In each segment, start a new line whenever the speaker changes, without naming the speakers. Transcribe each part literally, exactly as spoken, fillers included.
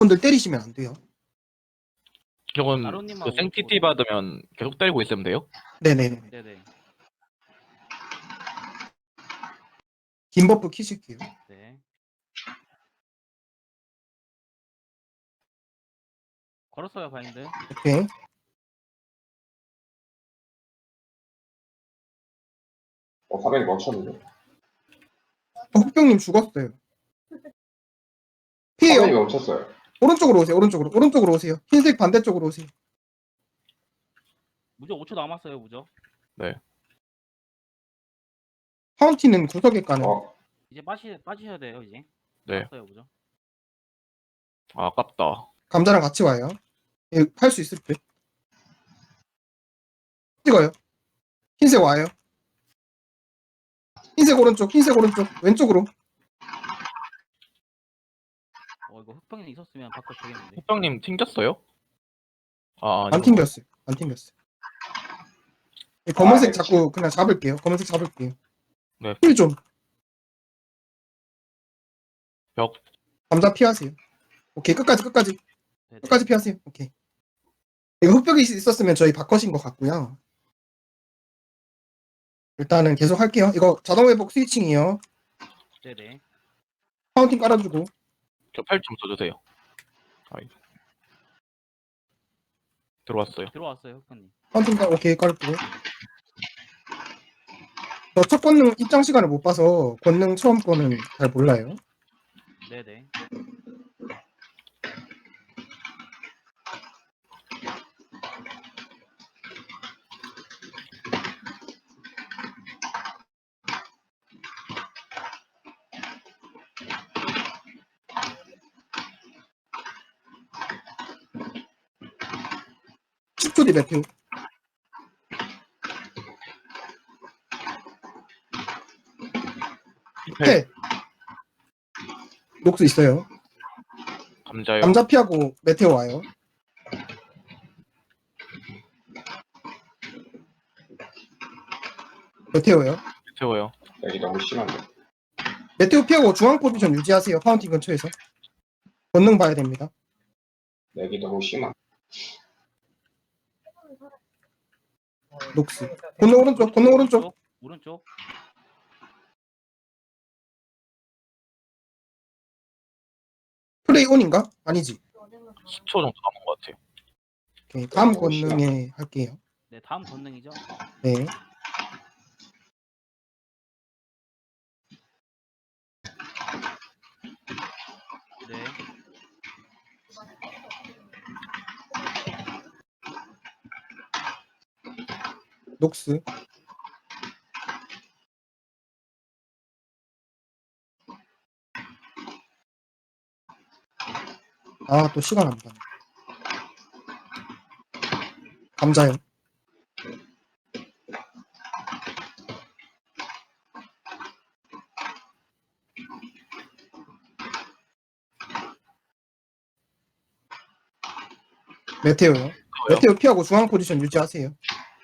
분들 때리시면 안 돼요.
저건
나로님만
그 생티티
오른쪽으로.
받으면 계속 때리고 있으면 돼요?
네네네.
네네.
긴 버프 키실게요.
네. 걸었어요 바인드.
오케이.
어, 화면이 멈췄는데?
어, 흑병님 죽었어요.
화면이
피해요.
멈췄어요.
오른쪽으로 오세요. 오른쪽으로. 오른쪽으로 오세요. 흰색 반대쪽으로 오세요.
무적 오 초 남았어요 무적.
파운틴은 구석에 까는.
어,
이제 빠시 빠지셔야 돼요 이제.
네.
남았어요 무적.
아, 아깝다.
감자랑 같이 와요. 할 수 있을 듯. 찍어요. 흰색 와요. 흰색 오른쪽, 흰색 오른쪽, 왼쪽으로.
어 이거 흑병이 있었으면 바꿔 되겠는데.
흑병님 튕겼어요? 아,
안
아니구나.
튕겼어요. 안 튕겼어요. 이 검은색
아, 네,
자꾸 그냥 잡을게요. 검은색 잡을게요.
네.
힐 좀.
벽.
감자 피하세요. 오케이, 끝까지, 끝까지.
네네.
끝까지 피하세요. 오케이. 이거 흑벽이 있었으면 저희 바꿔신 것 같고요. 일단은 계속 할게요. 이거 자동 회복 스위칭이요.
네네.
파운틴 깔아주고.
저 팔 좀 써주세요. 아이. 들어왔어요.
들어왔어요 흑병님.
파운틴 깔, 오케이, 깔고. 저 첫 권능 입장 시간을 못 봐서 권능 처음 거는 잘 몰라요.
네네.
십 초 뒤 매표.
힐.
패. 녹수 있어요.
감자요.
감자 피하고 메테오 와요. 메테오요.
세워요.
여기 너무 심한데.
메테오 피하고 중앙 포지션 유지하세요. 파운틴 근처에서. 권능 봐야 됩니다.
여기 너무 심한.
녹스. 권능 오른쪽, 권능 오른쪽.
오른쪽.
플레이 온인가? 아니지.
십 초 정도 남은 것 같아요.
오케이. 다음
너무 심하다.
권능에 할게요.
네 다음 권능이죠.
네.
네.
녹스. 아, 또 시간 안 가네. 감자요. 메테오요. 메테오 피하고 중앙 포지션 유지하세요.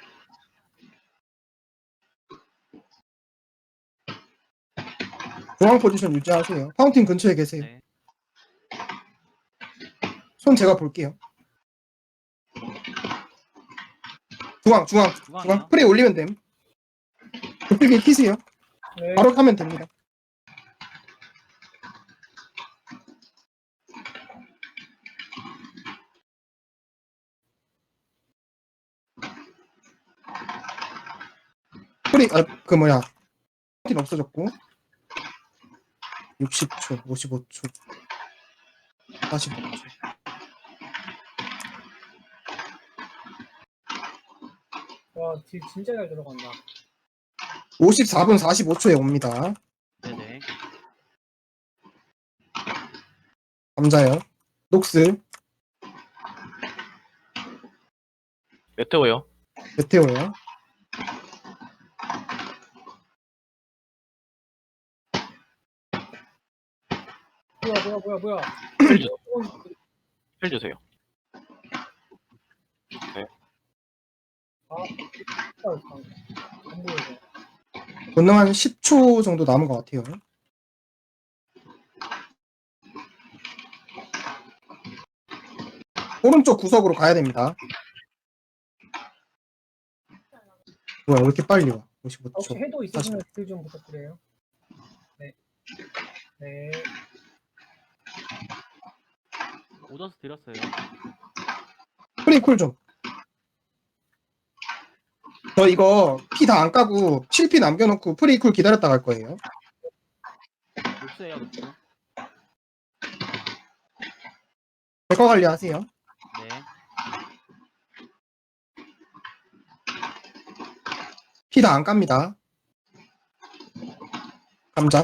중앙 포지션 유지하세요. 파운틴 근처에 계세요.
네.
손 제가 볼게요. 중앙, 중앙,
중앙이요?
중앙. 프레이 올리면 됨. 도필기 키세요. 바로 타면 됩니다. 프레이, 아, 그 뭐야. 파운틴 없어졌고. 육십 초, 오십오 초, 사십오 초.
와, 딜 진짜 잘 들어간다.
오십사 분 사십오 초에 옵니다.
네네.
감자요. 녹스,
메테오요.
메테오요.
뭐야, 뭐야, 뭐야, 뭐야.
힐 주세요. 힐 주세요.
아, 안 보여서.
권능 한 십 초 정도 남은 것 같아요. 오른쪽 구석으로 가야 됩니다. 뭐야, 왜 이렇게 빨리 와? 오십오
혹시
초.
해도 있으시면 딜 좀 부탁드려요. 네. 네.
오더스 드렸어요.
프리쿨 좀. 저 이거 피 다 안 까고 칠 피 남겨놓고 프리쿨 기다렸다 갈 거예요.
녹스예요, 녹스.
제거 관리하세요.
네.
피 다 안 깝니다. 감자.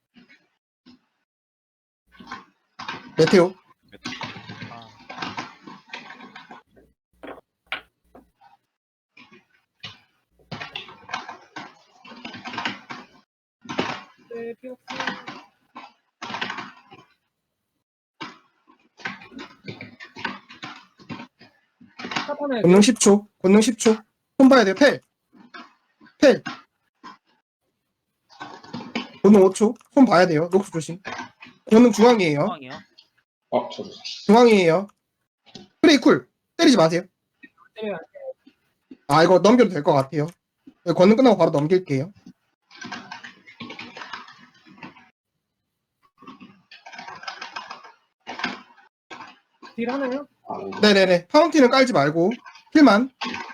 메테오.
아,
네, 피 없어. 사번에
권능 십 초. 권능 십 초. 손 봐야 돼요. 펠. 펠. 권능 오 초. 손 봐야 돼요. 녹수 조심. 권능 중앙이에요.
상황이요.
어, 저도.
중앙이에요. 프레이쿨. 때리지 마세요.
때려요.
아, 이거 넘겨도 될 것 같아요. 권능 끝나고 바로 넘길게요.
딜 하나요?
아, 네.
네네네. 파운틴은 깔지 말고 힐만.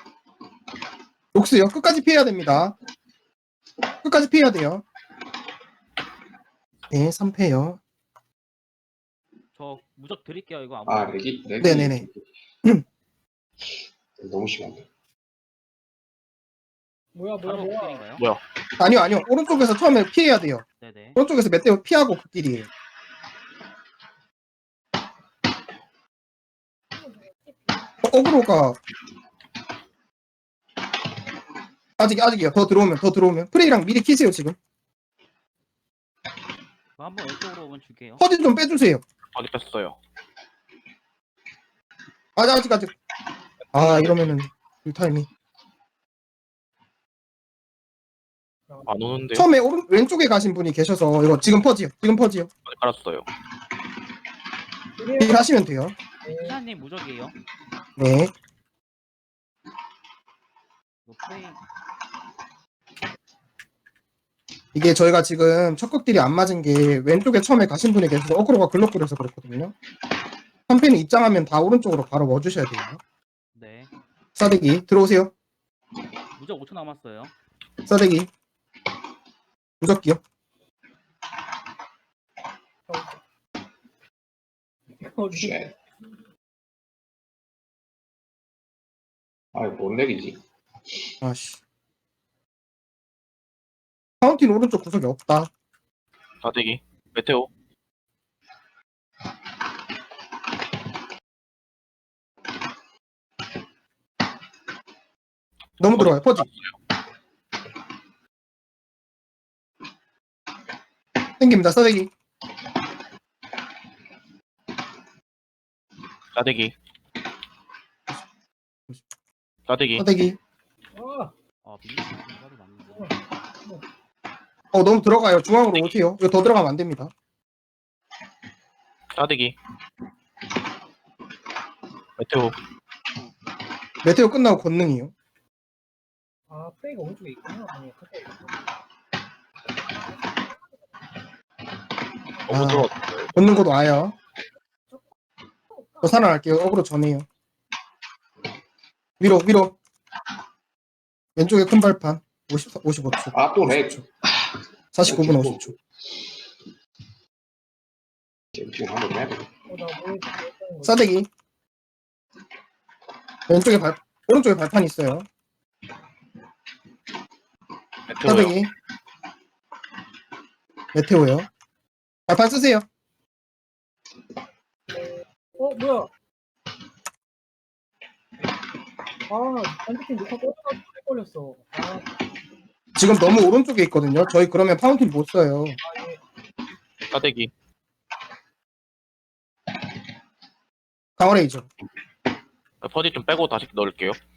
녹스요. 끝까지 피해야 됩니다. 끝까지 피해야 돼요. 네, 삼 패요.
저 무적 드릴게요, 이거 아무.
아, 렉이, 렉이.
네네네.
너무 심한데.
뭐야, 뭐야,
바로
뭐야.
극딜인가요?
뭐야?
아니요, 아니요. 오른쪽에서 처음에 피해야 돼요.
네네.
오른쪽에서 메테오 피하고 그 길이에요. 어, 어그로가 아직 아직이요. 더 들어오면 더 들어오면 프레이랑 미리 키세요 지금.
그거 한번 왼쪽으로 오면 줄게요.
허디 좀 빼주세요.
어디 뺐어요?
아직 아직 아직. 아 이러면은 꿀타임이.
안 오는데요?
처음에 오른 왼쪽에 가신 분이 계셔서 이거 지금 퍼지요. 지금 퍼지요.
어디 깔았어요?
일 하시면 돼요.
네.
시아님 무적이에요.
네.
이거 프레이.
이게 저희가 지금 척극딜이 안 맞은 게 왼쪽에 처음에 가신 분이 계셔서 어그로가 글럭거려서 그렇거든요. 한 팬이 입장하면 다 오른쪽으로 바로 넣어주셔야 돼요.
네.
싸대기 들어오세요.
무적 오 초 남았어요.
싸대기. 무적기요.
어,
쉣. 아, 이거 뭔 렉이지?
아씨. 파운틴 오른쪽 구석이 없다.
사대기. 메테오.
너무 들어와요. 퍼지. 땡깁니다. 싸대기.
사대기. 사대기.
싸대기.
아,
아, 밀리는 생각이 맞는데.
어 너무 들어가요. 중앙으로 오세요. 이거 더 들어가면 안 됩니다.
사대기. 메테오.
메테오 끝나고 권능이요.
아, 프레이가 오른쪽에 있구나. 아니, 가까이 있구나.
너무
아.
들어왔어요.
권능 곧 와요. 저 살아날게요. 어그로 전해요. 위로 위로. 왼쪽에 큰 발판. 오십, 오십오 초.
아, 또 렉.
사십구 분 오십 초.
지금 한번 해야 돼.
어, 나 뭐, 했다는 거지?
싸대기. 왼쪽에 발 오른쪽에 발판 있어요.
메테오요.
싸대기. 메테오요. 발판 쓰세요.
어, 뭐야? 아, 반대팀 녹화 꺼져가지고 헷갈렸어. 아,
지금 너무 오른쪽에 있거든요. 저희 그러면 파운틴 못 써요.
아, 예.
사대기.
강화레이저.
퍼지 좀 빼고 다시 넣을게요.